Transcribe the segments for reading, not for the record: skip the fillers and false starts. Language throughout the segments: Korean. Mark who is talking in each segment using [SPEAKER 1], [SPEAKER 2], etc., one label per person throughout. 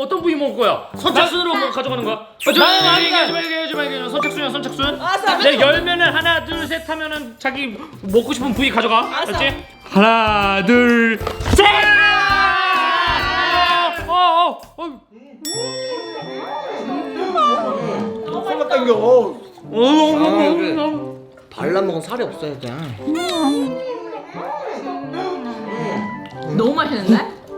[SPEAKER 1] 어떤 부위 먹을 거야? 선착순으로 뭐 가져가는 거야? 얘기하지 마. 선착순. 내 열면은 하나 둘 셋 하면은 자기 먹고 싶은 부위 가져가. 알았지? 하나 둘 셋.
[SPEAKER 2] 설마 당겨.
[SPEAKER 3] 발라먹은 살이 없어야 돼.
[SPEAKER 4] 너무 맛있는데?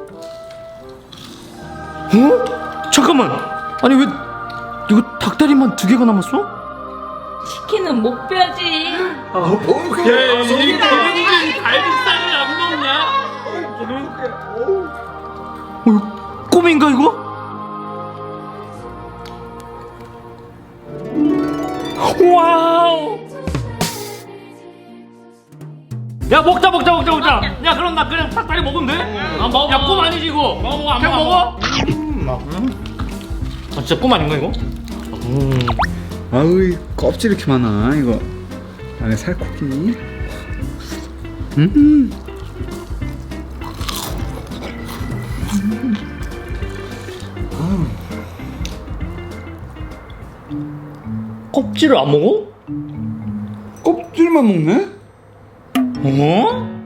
[SPEAKER 1] 어? 잠깐만. 아니 왜 이거 닭다리만 2개가 남았어?
[SPEAKER 4] 치킨은 못 빼야지.
[SPEAKER 1] 그래 이 갈비살을 안 먹냐? 이거 꿈인가 이거? 와우. 야 먹자. 야 그럼 나 그냥 닭다리 먹으면 돼? 먹어. 야 꿈 아니지 이거? 먹어. 그냥 먹어? 아 진짜 꿈 아닌가 이거?
[SPEAKER 2] 아우 이 껍질 이렇게 많아 이거. 안에 살코기.
[SPEAKER 1] 껍질을 안 먹어?
[SPEAKER 2] 껍질만 먹네?
[SPEAKER 1] 어?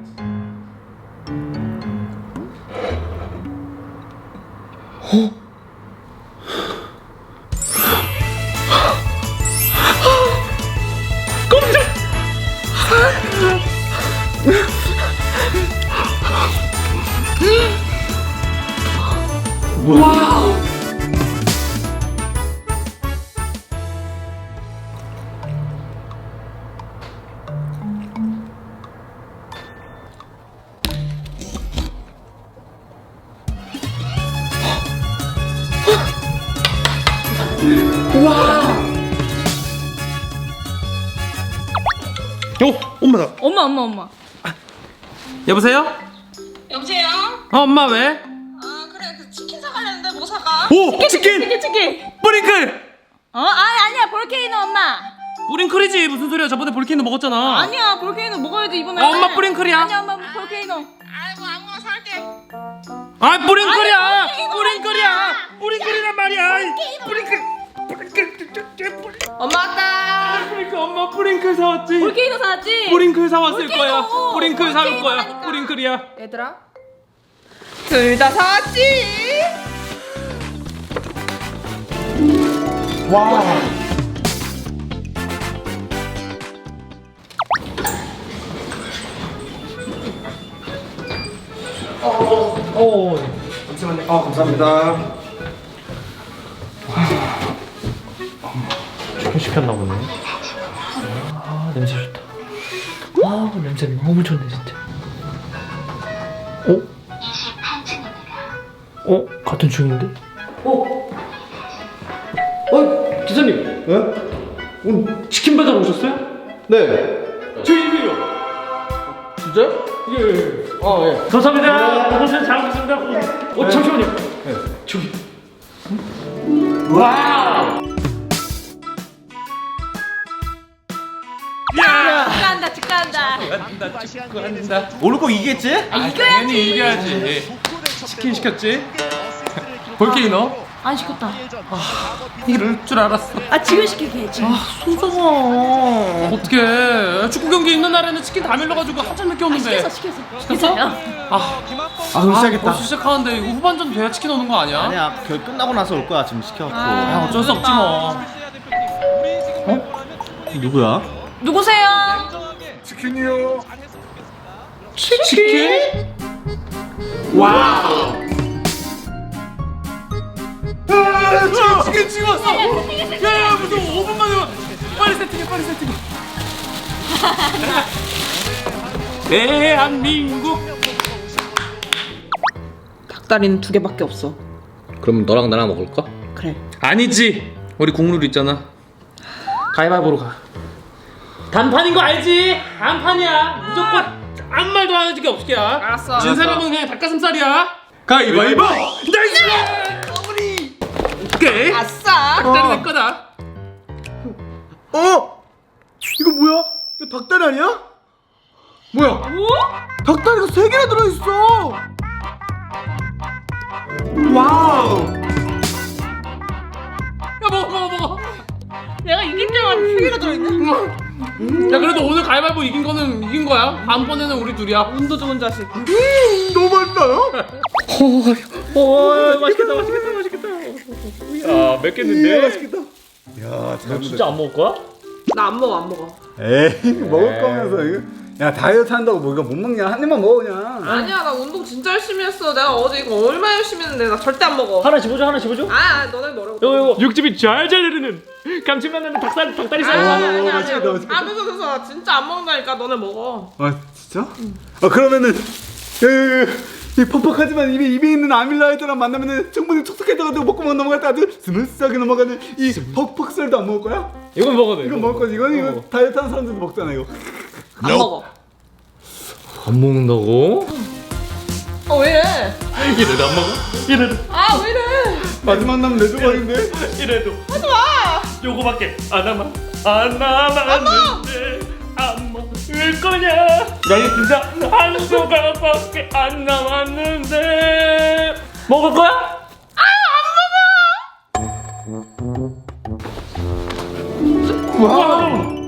[SPEAKER 1] 깜짝! 와우!
[SPEAKER 2] 엄마다.
[SPEAKER 4] 엄마.
[SPEAKER 1] 여보세요?
[SPEAKER 5] 여보세요?
[SPEAKER 1] 엄마 왜?
[SPEAKER 5] 아 그래 그 치킨 사가려는데 뭐 사가?
[SPEAKER 1] 오! 치킨!
[SPEAKER 4] 치킨.
[SPEAKER 1] 뿌링클!
[SPEAKER 4] 아니야 볼케이노 엄마.
[SPEAKER 1] 뿌링클이지 무슨 소리야 저번에 볼케이노 먹었잖아.
[SPEAKER 4] 아니야 볼케이노 먹어야지 이번에.
[SPEAKER 1] 엄마 뿌링클이야.
[SPEAKER 4] 아니야 엄마 볼케이노.
[SPEAKER 5] 아이고 아무거나 살게.
[SPEAKER 1] 아 뿌링클이야.
[SPEAKER 4] 아니,
[SPEAKER 1] 뿌링클이야. 뿌링클이란 말이야. 뿌링클.
[SPEAKER 4] 엄마 왔다.
[SPEAKER 1] 뿌링클 엄마 뿌링클 사왔지.
[SPEAKER 4] 볼케이노 사왔지?
[SPEAKER 1] 뿌링클 사왔을
[SPEAKER 4] 볼케이노.
[SPEAKER 1] 거야. 뿌링클 사올 거야.
[SPEAKER 4] 볼케이노라니까.
[SPEAKER 1] 뿌링클이야.
[SPEAKER 4] 얘들아 둘 다 사왔지?
[SPEAKER 2] 와. 잠시만요. 감사합니다.
[SPEAKER 1] 치킨 시켰나 보네. 아 냄새 좋다. 아 냄새 너무 좋네 진짜. 같은 중인데? 기사님. 오늘 치킨 배달 오셨어요?
[SPEAKER 2] 네.
[SPEAKER 1] 저희 집이요.
[SPEAKER 2] 진짜요?
[SPEAKER 1] 예. 감사합니다. 고생 잘하셨습니다. 잠시만요. 저기. 와우.
[SPEAKER 4] 축하한다.
[SPEAKER 2] 오늘 꼭 이기겠지?
[SPEAKER 1] 당연히 이겨야지. 치킨 시켰지? 볼케이노?
[SPEAKER 4] 안 시켰다.
[SPEAKER 1] 이럴 줄 알았어.
[SPEAKER 4] 지금 시킬게.
[SPEAKER 1] 손석아. 어떡해. 축구 경기 있는 날에는 치킨 다 밀려가지고 한참 늦게 오는데.
[SPEAKER 4] 시켰어?
[SPEAKER 2] 그럼 시작했다.
[SPEAKER 1] 벌써 시작하는데 이거 후반전 돼야 치킨 오는 거 아니야?
[SPEAKER 2] 아니야, 결 끝나고 나서 올 거야. 지금 시켜갖고.
[SPEAKER 1] 어쩔 수 없지 뭐.
[SPEAKER 2] 누구야?
[SPEAKER 4] 누구세요?
[SPEAKER 2] 치킨이요.
[SPEAKER 1] 치킨? 와우. 치킨 찍었어. 야 무슨 5분 만에 와. 빨리 세팅해. 대한민국.
[SPEAKER 5] 닭다리는 2개밖에 없어.
[SPEAKER 3] 그럼 너랑 나랑 먹을까?
[SPEAKER 5] 그래.
[SPEAKER 1] 아니지. 우리 국룰 있잖아. 가위바위보로 가. 단판인 거 알지? 단판이야. 무조건 아무 말도 안 해줄 게 없게야.
[SPEAKER 4] 알았어.
[SPEAKER 1] 진 사람은 그냥 닭가슴살이야. 가위바위보. 나이스. 오케이.
[SPEAKER 4] 아싸.
[SPEAKER 1] 닭다리 내 거다.
[SPEAKER 2] 이거 뭐야? 이거 닭다리 아니야? 뭐야? 닭다리가 3개나 들어있어. 와우.
[SPEAKER 5] 내가 이긴 줄 알았는데 3개가 들어있네.
[SPEAKER 4] 야 그래도 오늘 가위바위보 이긴 거는 이긴 거야. 다음번에는 우리 둘이야.
[SPEAKER 5] 운도 좋은 자식.
[SPEAKER 2] 너무 맛있어요?
[SPEAKER 1] 오 맛있겠다 맛있겠다 맛있겠다. 야 맵겠는데?
[SPEAKER 2] 맛있겠다. 야,
[SPEAKER 1] 너 진짜 안 먹을 거야?
[SPEAKER 5] 나 안 먹어 안 먹어.
[SPEAKER 2] 에이, 먹을 거면서 이거. 야, 다이어트 한다고 뭐 이거 못 먹냐? 한 입만 먹어 그냥.
[SPEAKER 5] 아니야 나 운동 진짜 열심히 했어. 내가 어제 이거 얼마나 열심히 했는데 나 절대 안 먹어.
[SPEAKER 1] 하나 집어줘 하나 집어줘.
[SPEAKER 5] 너네 먹어.
[SPEAKER 1] 요거 육즙이 잘잘 흐르는 감칠맛 나는 닭다리 살.
[SPEAKER 5] 아니야.
[SPEAKER 2] 맛있겠다, 맛있겠다.
[SPEAKER 5] 됐어. 진짜 안 먹는다니까. 너네 먹어.
[SPEAKER 2] 아, 진짜? 그러면은 이 퍽퍽하지만 입에 있는 아밀라이드랑 만나면은 충분히 촉촉해져가지고 먹고만 넘어갈 때 아주 스무스하게 넘어가는 이 퍽퍽살도 안 먹을 거야?
[SPEAKER 1] 이건 먹어도 돼.
[SPEAKER 2] 이거 먹을 거지. 이거 다이어트 하는 사람들도 먹잖아 이거.
[SPEAKER 5] 안 먹어.
[SPEAKER 1] 안 먹는다고?
[SPEAKER 5] 왜 이래?
[SPEAKER 1] 이래도 안 먹어? 이래도
[SPEAKER 5] 왜 이래?
[SPEAKER 2] 마지막 남은 내 조각인데.
[SPEAKER 1] 이래도 하지 마. 요거밖에 안 남았는데 안 먹을 거냐? 나이 진짜 한 조각밖에 안 남았는데 먹을 거야? 와.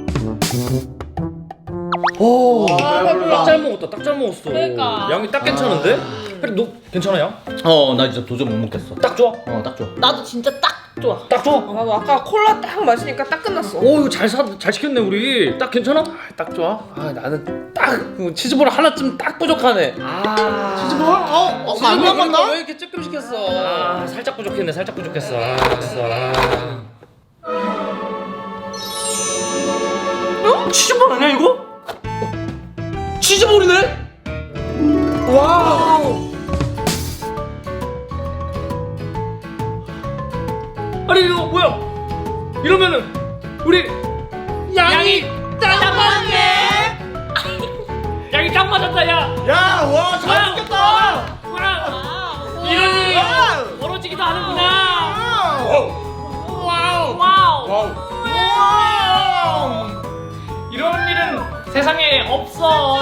[SPEAKER 1] 오, 딱 잘 먹었다. 딱 잘 먹었어.
[SPEAKER 5] 그러니까.
[SPEAKER 1] 양이 딱 괜찮은데? 혜리 너 괜찮아 양?
[SPEAKER 3] 나 진짜 도저히 못 먹겠어.
[SPEAKER 1] 딱 좋아?
[SPEAKER 3] 딱 좋아.
[SPEAKER 5] 나도 진짜 딱 좋아.
[SPEAKER 1] 딱 좋아?
[SPEAKER 5] 나도 아까 콜라 딱 마시니까 딱 끝났어.
[SPEAKER 1] 오 이거 잘 시켰네 우리. 딱 괜찮아?
[SPEAKER 4] 딱 좋아. 나는 딱 치즈볼 하나쯤 딱 부족하네.
[SPEAKER 5] 치즈볼?
[SPEAKER 4] 안 먹었나? 왜 이렇게 조금 시켰어?
[SPEAKER 1] 아 살짝 부족했네. 살짝 부족했어. 알았어. 치즈볼 아니야 이거? 치즈볼이네? 와우. 아니 이거 뭐야? 이러면은 우리 양이 딱 맞네. 양이 딱 맞았다 야.
[SPEAKER 2] 야, 와, 잘 먹겠다.
[SPEAKER 1] 와. 이런 일이 벌어지기도 하는구나. 와우. 이런 일은 세상에 없어.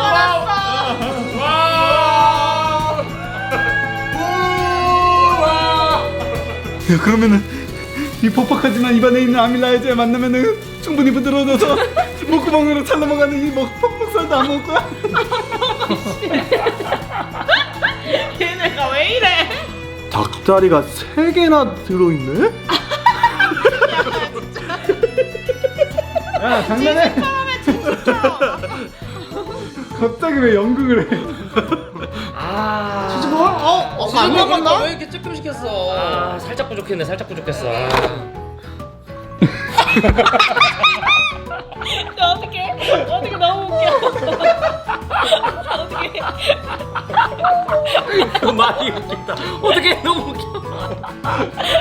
[SPEAKER 2] 야, 그러면은 이 퍽퍽하지만 입안에 있는 아밀라이드에 만나면은 충분히 부드러워져서 목구멍으로 잘 넘어가는 이 퍽퍽살도 안 먹을 거야?
[SPEAKER 5] 얘네가 왜 이래?
[SPEAKER 2] 닭다리가 3개나 들어있네? 야, 장난해? 갑자기 왜 연극을 해?
[SPEAKER 4] 치즈볼? 안 먹었나? 왜 이렇게 조금 시켰어?
[SPEAKER 1] 아 살짝 부족했네. 살짝 부족했어.
[SPEAKER 5] 어떻게 너무 웃겨. 어떻게?
[SPEAKER 1] 그 말이 웃긴다. 어떻게 너무 웃겨.